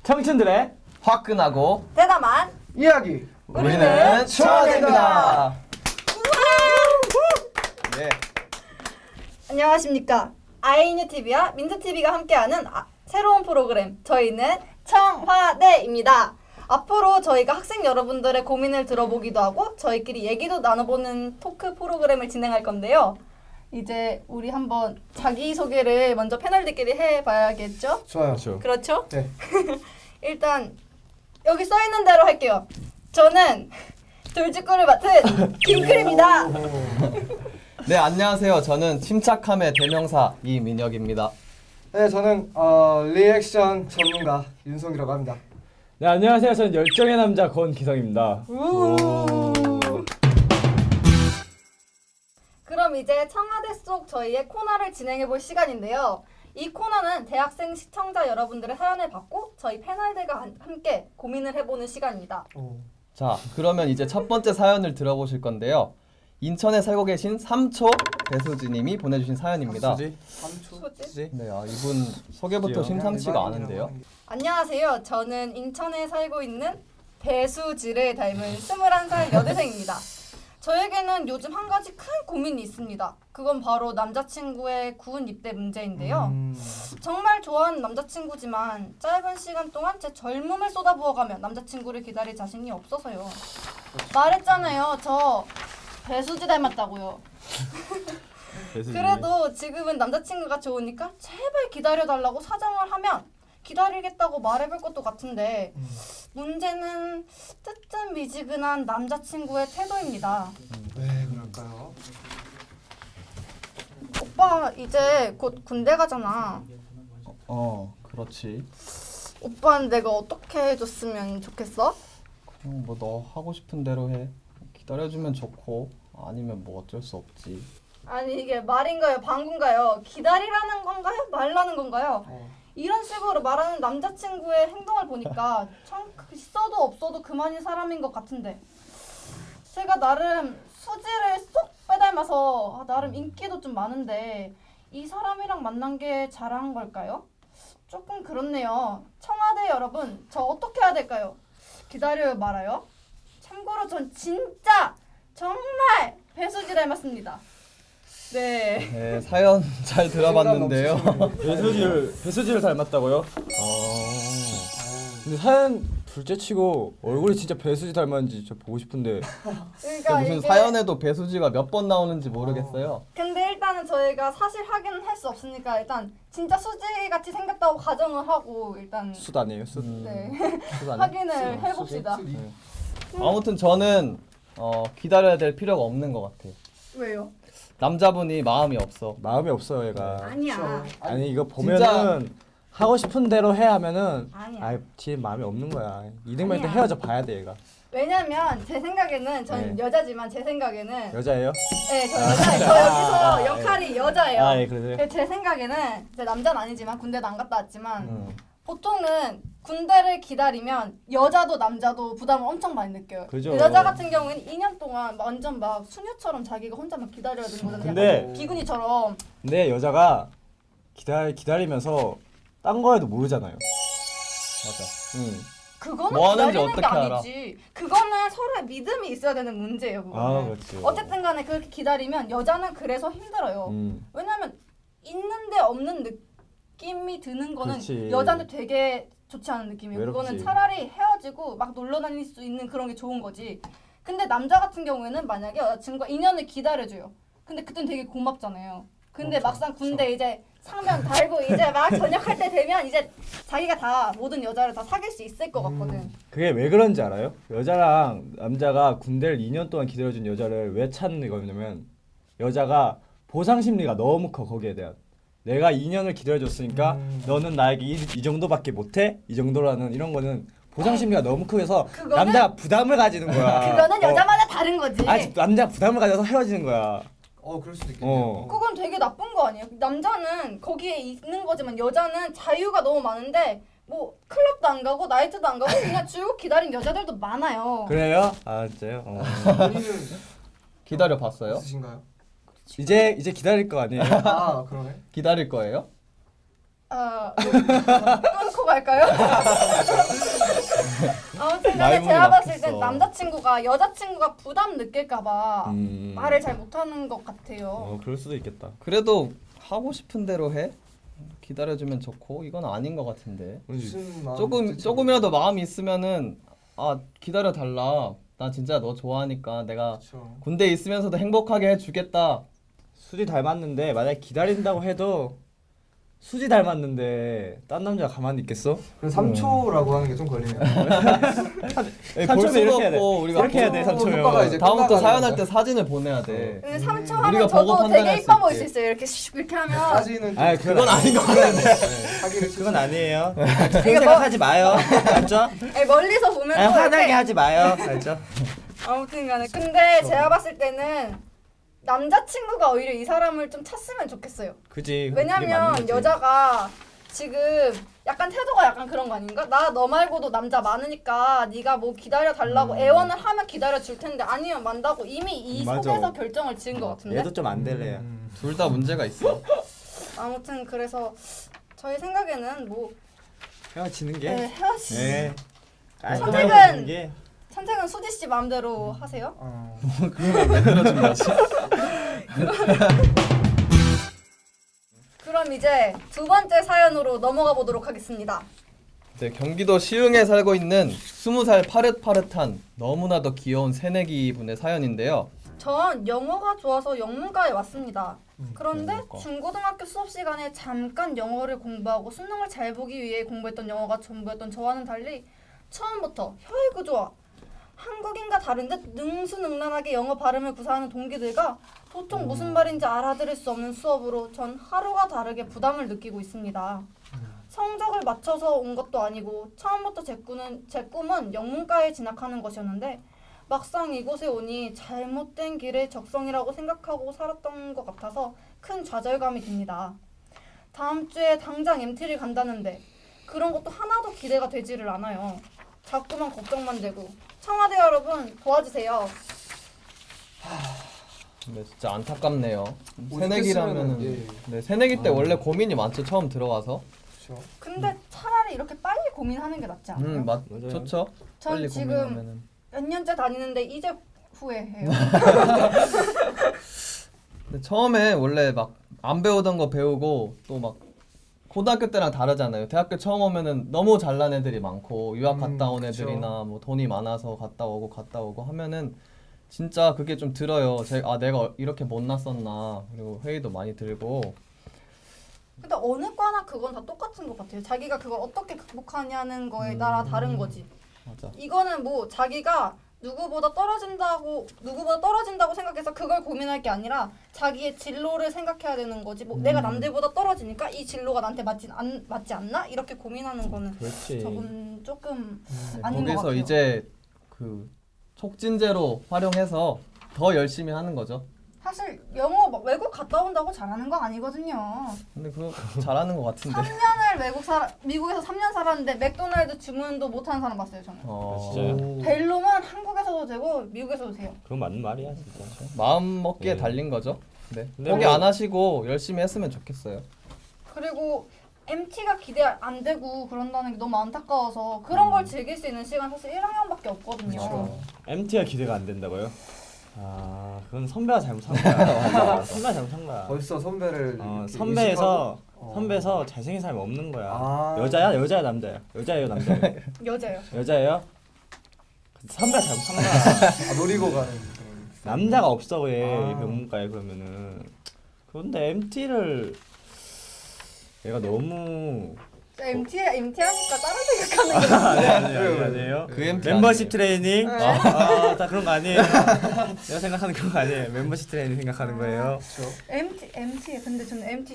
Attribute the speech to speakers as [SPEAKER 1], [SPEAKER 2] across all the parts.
[SPEAKER 1] 청춘들의
[SPEAKER 2] 화끈하고
[SPEAKER 3] 대담한
[SPEAKER 4] 이야기.
[SPEAKER 2] 우리는 청와대입니다. 네.
[SPEAKER 3] 안녕하십니까. 아이뉴TV와 민트TV가 함께하는 새로운 프로그램 저희는 청와대입니다. 앞으로 저희가 학생 여러분들의 고민을 들어보기도 하고 저희끼리 얘기도 나눠보는 토크 프로그램을 진행할 건데요. 이제 우리 한번 자기소개를 먼저 패널들끼리 해봐야겠죠?
[SPEAKER 4] 좋아요.
[SPEAKER 3] 그렇죠?
[SPEAKER 4] 네.
[SPEAKER 3] 일단 여기 써있는 대로 할게요. 저는 돌직구를 맡은 김클입니다.
[SPEAKER 2] 네, 안녕하세요. 저는 침착함의 대명사 이민혁입니다.
[SPEAKER 4] 네, 저는 리액션 전문가 윤성이라고 합니다.
[SPEAKER 1] 네, 안녕하세요. 저는 열정의 남자 권기성입니다.
[SPEAKER 3] 그럼 이제 청와대 속 저희의 코너를 진행해볼 시간인데요. 이 코너는 대학생 시청자 여러분들의 사연을 받고 저희 패널들과 함께 고민을 해보는 시간입니다.
[SPEAKER 2] 자, 그러면 이제 첫 번째 사연을 들어보실 건데요. 인천에 살고 계신 삼초 배수지님이 보내주신 사연입니다.
[SPEAKER 3] 소지?
[SPEAKER 2] 네, 이분 소개부터 심상치가 않은데요.
[SPEAKER 3] 안녕하세요. 저는 인천에 살고 있는 배수지를 닮은 21살 여대생입니다. 저에게는 요즘 한 가지 큰 고민이 있습니다. 그건 바로 남자친구의 군 입대 문제인데요. 정말 좋아하는 남자친구지만 짧은 시간 동안 제 젊음을 쏟아부어가며 남자친구를 기다릴 자신이 없어서요. 말했잖아요. 저 배수지 닮았다고요. 그래도 지금은 남자친구가 좋으니까 제발 기다려달라고 사정을 하면 기다리겠다고 말해볼 것도 같은데 문제는 뜨뜻미지근한 남자친구의 태도입니다.
[SPEAKER 4] 왜 그럴까요?
[SPEAKER 3] 오빠 이제 곧 군대 가잖아.
[SPEAKER 2] 그렇지.
[SPEAKER 3] 오빠는 내가 어떻게 해줬으면 좋겠어?
[SPEAKER 2] 그냥 뭐 너 하고 싶은 대로 해. 기다려주면 좋고 아니면 뭐 어쩔 수 없지.
[SPEAKER 3] 아니 이게 말인가요? 방구인가요? 기다리라는 건가요? 말라는 건가요? 이런 식으로 말하는 남자친구의 행동을 보니까 참 있어도 없어도 그만인 사람인 것 같은데 제가 나름 수지를 쏙 빼닮아서 나름 인기도 좀 많은데 이 사람이랑 만난 게 잘한 걸까요? 조금 그렇네요. 청와대 여러분, 저 어떻게 해야 될까요? 기다려요 말아요? 참고로 전 진짜 정말 배수지 닮았습니다.
[SPEAKER 2] 네, 사연 잘 들어봤는데요.
[SPEAKER 1] 배수지를 닮았다고요? 근데 사연 둘째치고 얼굴이 진짜 배수지 닮았는지 진짜 보고 싶은데.
[SPEAKER 3] 그러니까
[SPEAKER 2] 무슨
[SPEAKER 3] 이게
[SPEAKER 2] 사연에도 배수지가 몇 번 나오는지 모르겠어요.
[SPEAKER 3] 근데 일단은 저희가 사실 확인은 할 수 없으니까 일단 진짜 수지같이 생겼다고 가정을 하고 일단
[SPEAKER 1] 숯 아니에요? 숯?
[SPEAKER 3] 네.
[SPEAKER 1] 숯 아니에요?
[SPEAKER 3] 확인을 해봅시다.
[SPEAKER 2] 아무튼 저는 기다려야 될 필요가 없는 것 같아요.
[SPEAKER 3] 왜요?
[SPEAKER 2] 남자분이 마음이 없어.
[SPEAKER 1] 마음이 없어요, 얘가.
[SPEAKER 3] 아니야.
[SPEAKER 1] 아니 이거 보면은 하고 싶은 대로 해 하면은
[SPEAKER 3] 아니야.
[SPEAKER 1] 뒤에 마음이 없는 거야. 이등병 때
[SPEAKER 3] 아니야.
[SPEAKER 1] 헤어져 봐야 돼, 얘가.
[SPEAKER 3] 왜냐면 제 생각에는 전
[SPEAKER 1] 네.
[SPEAKER 3] 여자지만 제 생각에는
[SPEAKER 1] 여자예요?
[SPEAKER 3] 네, 저 여자예요. 저 여기서 역할이 여자예요.
[SPEAKER 1] 예, 그러세요.
[SPEAKER 3] 근데 제 생각에는 제 남자는 아니지만 군대도 안 갔다 왔지만 보통은 군대를 기다리면 여자도 남자도 부담을 엄청 많이 느껴요.
[SPEAKER 1] 그죠.
[SPEAKER 3] 여자 같은 경우에는 2년 동안 완전 막 수녀처럼 자기가 혼자 막 기다려야 되는 거잖아요.
[SPEAKER 1] 근데-
[SPEAKER 3] 약간 비구니처럼.
[SPEAKER 1] 근데 여자가 기다리면서 딴 거에도 모르잖아요.
[SPEAKER 2] 맞아.
[SPEAKER 1] 응.
[SPEAKER 3] 그거는
[SPEAKER 2] 뭐 하는지
[SPEAKER 3] 기다리는 게
[SPEAKER 2] 어떻게 알아?
[SPEAKER 3] 아니지. 그거는 서로의 믿음이 있어야 되는 문제예요. 그거는.
[SPEAKER 1] 그렇지.
[SPEAKER 3] 어쨌든 간에 그렇게 기다리면 여자는 그래서 힘들어요. 왜냐면 있는데 없는 느낌이 드는 거는
[SPEAKER 1] 그렇지.
[SPEAKER 3] 여자한테 되게 좋지 않은 느낌이에요.
[SPEAKER 1] 외롭지.
[SPEAKER 3] 그거는 차라리 헤어지고 막 놀러 다닐 수 있는 그런 게 좋은 거지. 근데 남자 같은 경우에는 만약에 여자친구가 2년을 기다려줘요. 근데 그땐 되게 고맙잖아요. 근데 막상 군대 이제 상병 달고 이제 막 전역할 때 되면 이제 자기가 다 모든 여자를 다 사귈 수 있을 것 같거든.
[SPEAKER 1] 그게 왜 그런지 알아요? 여자랑 남자가 군대를 2년 동안 기다려준 여자를 왜 찾는 거냐면 여자가 보상 심리가 너무 커. 거기에 대한 내가 2년을 기다려줬으니까 너는 나에게 이 정도밖에 못해? 이 정도라는 이런 거는 보상 심리가 너무 크해서
[SPEAKER 3] 그거는-
[SPEAKER 1] 남자가 부담을 가지는 거야.
[SPEAKER 3] 그거는 여자마다 다른 거지.
[SPEAKER 1] 아니 남자 부담을 가져서 헤어지는 거야.
[SPEAKER 4] 그럴 수도 있겠네요.
[SPEAKER 3] 그건 되게 나쁜 거 아니에요? 남자는 거기에 있는 거지만 여자는 자유가 너무 많은데 뭐 클럽도 안 가고 나이트도 안 가고 그냥 쭉 기다린 여자들도 많아요.
[SPEAKER 1] 그래요? 아 진짜요?
[SPEAKER 4] 본인은
[SPEAKER 2] 기다려 봤어요?
[SPEAKER 4] 있으신가요?
[SPEAKER 1] 이제 기다릴 거 아니에요?
[SPEAKER 4] 그러네.
[SPEAKER 2] 기다릴 거예요?
[SPEAKER 3] 끊고 할까요? 아무튼 간에
[SPEAKER 2] 말문이
[SPEAKER 3] 제가 봤을 땐
[SPEAKER 2] 막혔어.
[SPEAKER 3] 남자친구가 여자친구가 부담 느낄까봐
[SPEAKER 1] 음.
[SPEAKER 3] 말을 잘 못하는 것 같아요.
[SPEAKER 1] 그럴 수도 있겠다.
[SPEAKER 2] 그래도 하고 싶은 대로 해. 기다려주면 좋고 이건 아닌 것 같은데.
[SPEAKER 4] 무슨 마음
[SPEAKER 2] 조금이라도 마음이 있으면은 아 기다려 달라. 나 진짜 너 좋아하니까 내가
[SPEAKER 4] 그렇죠.
[SPEAKER 2] 군대에 있으면서도 행복하게 해주겠다.
[SPEAKER 1] 수지 닮았는데 만약 기다린다고 해도 수지 닮았는데 딴 남자가 가만히 있겠어?
[SPEAKER 4] 그래서 3초라고 하는 게 좀 걸리네요.
[SPEAKER 2] 볼
[SPEAKER 1] 삼촌은
[SPEAKER 2] 수도
[SPEAKER 1] 이렇게 해야 돼.
[SPEAKER 2] 없고 우리가
[SPEAKER 1] 이렇게 해야 돼,
[SPEAKER 4] 삼초
[SPEAKER 1] 삼촌.
[SPEAKER 4] 효과가 이제
[SPEAKER 2] 다음부터
[SPEAKER 4] 끝나가는
[SPEAKER 2] 사연할
[SPEAKER 4] 거야.
[SPEAKER 2] 때 사진을 보내야 돼.
[SPEAKER 3] 근데 3초
[SPEAKER 2] 우리가
[SPEAKER 3] 하면
[SPEAKER 2] 보고
[SPEAKER 3] 저도
[SPEAKER 2] 판단할
[SPEAKER 3] 되게
[SPEAKER 2] 수
[SPEAKER 3] 이뻐 보일
[SPEAKER 2] 있지.
[SPEAKER 3] 수 있어요. 이렇게 슉 이렇게 하면
[SPEAKER 4] 사진은
[SPEAKER 1] 아,
[SPEAKER 2] 그건 아닌 것 같은데.
[SPEAKER 4] 사기를
[SPEAKER 1] 그건 아니에요.
[SPEAKER 3] 이게
[SPEAKER 1] 그런 생각하지 마요. 알죠?
[SPEAKER 3] 아니, 멀리서 보면
[SPEAKER 1] 아니,
[SPEAKER 3] 또
[SPEAKER 1] 화나게
[SPEAKER 3] 이렇게
[SPEAKER 1] 하지 마요. 알죠?
[SPEAKER 3] 아무튼간에 근데 제가 봤을 때는 남자친구가 오히려 이 사람을 좀 찼으면 좋겠어요.
[SPEAKER 1] 그지. 그게 맞는
[SPEAKER 3] 왜냐면
[SPEAKER 1] 거지.
[SPEAKER 3] 여자가 지금 약간 태도가 약간 그런 거 아닌가? 나 너 말고도 남자 많으니까 네가 뭐 기다려 달라고 애원을 하면 기다려 줄 텐데 아니면 만다고 이미 이
[SPEAKER 1] 맞아.
[SPEAKER 3] 속에서 결정을 지은 것 같은데.
[SPEAKER 1] 얘도 좀 안 될래요.
[SPEAKER 2] 둘 다 문제가 있어.
[SPEAKER 3] 아무튼 그래서 저희 생각에는 뭐
[SPEAKER 1] 헤어지는 게.
[SPEAKER 3] 헤어지.
[SPEAKER 1] 네.
[SPEAKER 3] 선택은-
[SPEAKER 1] 헤어지는 게.
[SPEAKER 3] 선택은 수지 씨 마음대로 하세요.
[SPEAKER 2] 그러면 왜 들어준 거지?
[SPEAKER 3] 그럼 이제 두 번째 사연으로 넘어가 보도록 하겠습니다.
[SPEAKER 2] 네, 경기도 시흥에 살고 있는 20살 파릇파릇한 너무나도 귀여운 새내기 분의 사연인데요.
[SPEAKER 3] 전 영어가 좋아서 영문과에 왔습니다. 그런데
[SPEAKER 2] 영문과.
[SPEAKER 3] 중고등학교 수업 시간에 잠깐 영어를 공부하고 수능을 잘 보기 위해 공부했던 영어가 전부였던 저와는 달리 처음부터 혀의 구조와 한국인과 다른 듯 능수능란하게 영어 발음을 구사하는 동기들과 도통 무슨 말인지 알아들을 수 없는 수업으로 전 하루가 다르게 부담을 느끼고 있습니다. 성적을 맞춰서 온 것도 아니고 처음부터 제 꿈은 영문과에 진학하는 것이었는데 막상 이곳에 오니 잘못된 길의 적성이라고 생각하고 살았던 것 같아서 큰 좌절감이 듭니다. 다음 주에 당장 MT를 간다는데 그런 것도 하나도 기대가 되지를 않아요. 자꾸만 걱정만 되고 청와대 여러분 도와주세요.
[SPEAKER 2] 네, 진짜 안타깝네요.
[SPEAKER 4] 뭐
[SPEAKER 2] 새내기라면은
[SPEAKER 4] 이렇게
[SPEAKER 2] 네, 새내기 때 원래 고민이 많죠. 처음 들어와서.
[SPEAKER 4] 그렇죠.
[SPEAKER 3] 근데 차라리 이렇게 빨리 고민하는 게 낫지 않아요?
[SPEAKER 2] 맞
[SPEAKER 1] 맞아요.
[SPEAKER 2] 좋죠.
[SPEAKER 3] 전
[SPEAKER 2] 빨리
[SPEAKER 3] 지금
[SPEAKER 2] 고민하면은.
[SPEAKER 3] 몇 년째 다니는데 이제 후회해요.
[SPEAKER 2] 근데 처음에 원래 막 안 배우던 거 배우고 또 막 고등학교 때랑 다르잖아요. 대학교 처음 오면은 너무 잘난 애들이 많고 유학 갔다 온
[SPEAKER 4] 그쵸.
[SPEAKER 2] 애들이나 뭐 돈이 많아서 갔다 오고 하면은 진짜 그게 좀 들어요. 내가 이렇게 못났었나. 그리고 회의도 많이 들고.
[SPEAKER 3] 근데 어느 과나 그건 다 똑같은 것 같아요. 자기가 그걸 어떻게 극복하냐는 거에 따라 다른 거지.
[SPEAKER 2] 맞아.
[SPEAKER 3] 이거는 뭐 자기가 누구보다 떨어진다고 생각해서 그걸 고민할 게 아니라 자기의 진로를 생각해야 되는 거지. 뭐 내가 남들보다 떨어지니까 이 진로가 나한테 맞지 않나? 이렇게 고민하는 거는
[SPEAKER 1] 그렇지.
[SPEAKER 3] 저건 조금
[SPEAKER 2] 네,
[SPEAKER 3] 아닌 것
[SPEAKER 2] 거기서
[SPEAKER 3] 같아요.
[SPEAKER 2] 이제 그 촉진제로 활용해서 더 열심히 하는 거죠.
[SPEAKER 3] 사실 영어 막 외국 갔다 온다고 잘하는 거 아니거든요.
[SPEAKER 2] 근데 그거 잘하는 것 같은데.
[SPEAKER 3] 3년을 미국에서 3년 살았는데 맥도날드 주문도 못하는 사람 봤어요 저는.
[SPEAKER 1] 진짜요?
[SPEAKER 3] 벨로는 한국에서도 되고 미국에서도 돼요.
[SPEAKER 1] 그건 맞는 말이야, 진짜.
[SPEAKER 2] 마음 먹기에
[SPEAKER 1] 네.
[SPEAKER 2] 달린 거죠. 네.
[SPEAKER 1] 근데
[SPEAKER 2] 포기
[SPEAKER 1] 뭐-
[SPEAKER 2] 안 하시고 열심히 했으면 좋겠어요.
[SPEAKER 3] 그리고 MT가 기대 안 되고 그런다는 게 너무 안타까워서 그런 걸 즐길 수 있는 시간 사실 1학년밖에 없거든요.
[SPEAKER 2] 그렇죠.
[SPEAKER 1] MT가 기대가 안 된다고요? 아, 그건 선배가 잘못한 거야. 선배가 잘못한 거야.
[SPEAKER 4] 벌써 선배를 이렇게
[SPEAKER 1] 선배에서
[SPEAKER 4] 의식하고?
[SPEAKER 1] 선배에서 잘생긴 사람이 없는 거야.
[SPEAKER 4] 아.
[SPEAKER 1] 여자야, 남자야? 여자예요, 남자예요?
[SPEAKER 3] 여자요.
[SPEAKER 1] 여자예요? 선배가 잘못한 거야.
[SPEAKER 4] 아, 노리고 가는 그런.
[SPEAKER 1] 남자가 없어 왜
[SPEAKER 4] 아.
[SPEAKER 1] 병문과에 그러면은. 그런데 MT를 얘가 너무
[SPEAKER 3] MT 하니까 다른 생각하는 거.
[SPEAKER 1] 아니에요.
[SPEAKER 2] 그 MT
[SPEAKER 1] 멤버십
[SPEAKER 2] 아니에요.
[SPEAKER 1] 트레이닝.
[SPEAKER 3] 네.
[SPEAKER 1] 다 그런 거 아니에요. 내가 생각하는 그런 거 아니에요. 멤버십 트레이닝 생각하는 거예요.
[SPEAKER 4] 그렇죠.
[SPEAKER 3] MT 근데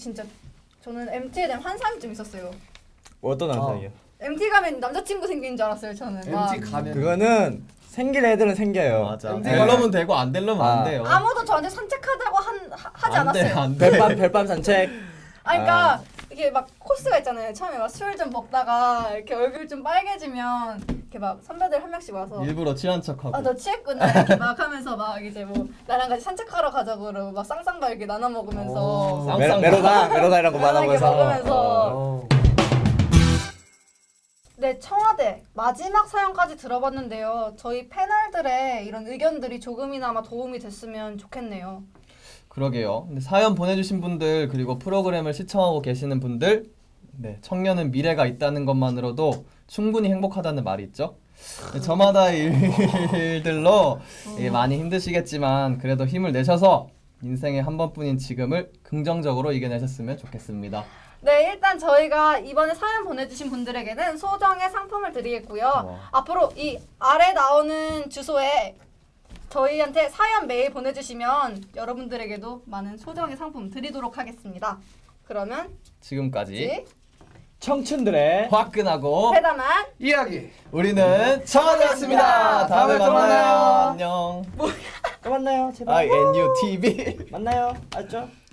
[SPEAKER 3] 저는 MT에 대한 환상이 좀 있었어요.
[SPEAKER 1] 어떤 환상이요?
[SPEAKER 3] MT 가면 남자친구 생기는 줄 알았어요 저는. 막
[SPEAKER 4] MT 가면
[SPEAKER 1] 그거는 생길 애들은 생겨요.
[SPEAKER 2] 맞아.
[SPEAKER 4] MT
[SPEAKER 2] 되려면 되고 안 되려면 안
[SPEAKER 1] 아.
[SPEAKER 2] 돼요.
[SPEAKER 3] 아무도 저한테 산책하자고 하지
[SPEAKER 2] 안 돼,
[SPEAKER 3] 않았어요.
[SPEAKER 2] 안 돼.
[SPEAKER 1] 별밤 산책.
[SPEAKER 3] 그러니까 이게 막 코스가 있잖아요. 처음에 막 술 좀 먹다가 이렇게 얼굴 좀 빨개지면 이렇게 막 선배들 한 명씩 와서
[SPEAKER 2] 일부러 취한 척하고.
[SPEAKER 3] 아 너 취했구나 이렇게 막 하면서 막 이제 뭐 나랑 같이 산책하러 가자고 그러고 막 쌍쌍바 이렇게 나눠 먹으면서
[SPEAKER 2] 쌍쌍바.
[SPEAKER 1] 메로다 이런 거
[SPEAKER 3] 이렇게
[SPEAKER 1] 말하면서.
[SPEAKER 3] 먹으면서
[SPEAKER 4] 어.
[SPEAKER 3] 네, 청와대 마지막 사연까지 들어봤는데요. 저희 패널들의 이런 의견들이 조금이나마 도움이 됐으면 좋겠네요.
[SPEAKER 2] 그러게요. 근데 사연 보내주신 분들 그리고 프로그램을 시청하고 계시는 분들, 네, 청년은 미래가 있다는 것만으로도 충분히 행복하다는 말이 있죠. 네, 저마다의 일들로 많이 힘드시겠지만 그래도 힘을 내셔서 인생의 한 번뿐인 지금을 긍정적으로 이겨내셨으면 좋겠습니다.
[SPEAKER 3] 네, 일단 저희가 이번에 사연 보내주신 분들에게는 소정의 상품을 드리겠고요.
[SPEAKER 2] 와.
[SPEAKER 3] 앞으로 이 아래 나오는 주소에 저희한테 사연 메일 보내주시면 여러분들에게도 많은 소정의 상품 드리도록 하겠습니다. 그러면
[SPEAKER 2] 지금까지
[SPEAKER 1] 청춘들의
[SPEAKER 2] 화끈하고
[SPEAKER 3] 회담한
[SPEAKER 4] 이야기.
[SPEAKER 2] 우리는 청와대였습니다. 다음에
[SPEAKER 3] 다음에
[SPEAKER 2] 만나요.
[SPEAKER 3] 만나요.
[SPEAKER 2] 안녕.
[SPEAKER 1] 또 만나요 제발
[SPEAKER 2] INUTV
[SPEAKER 1] 만나요 알죠?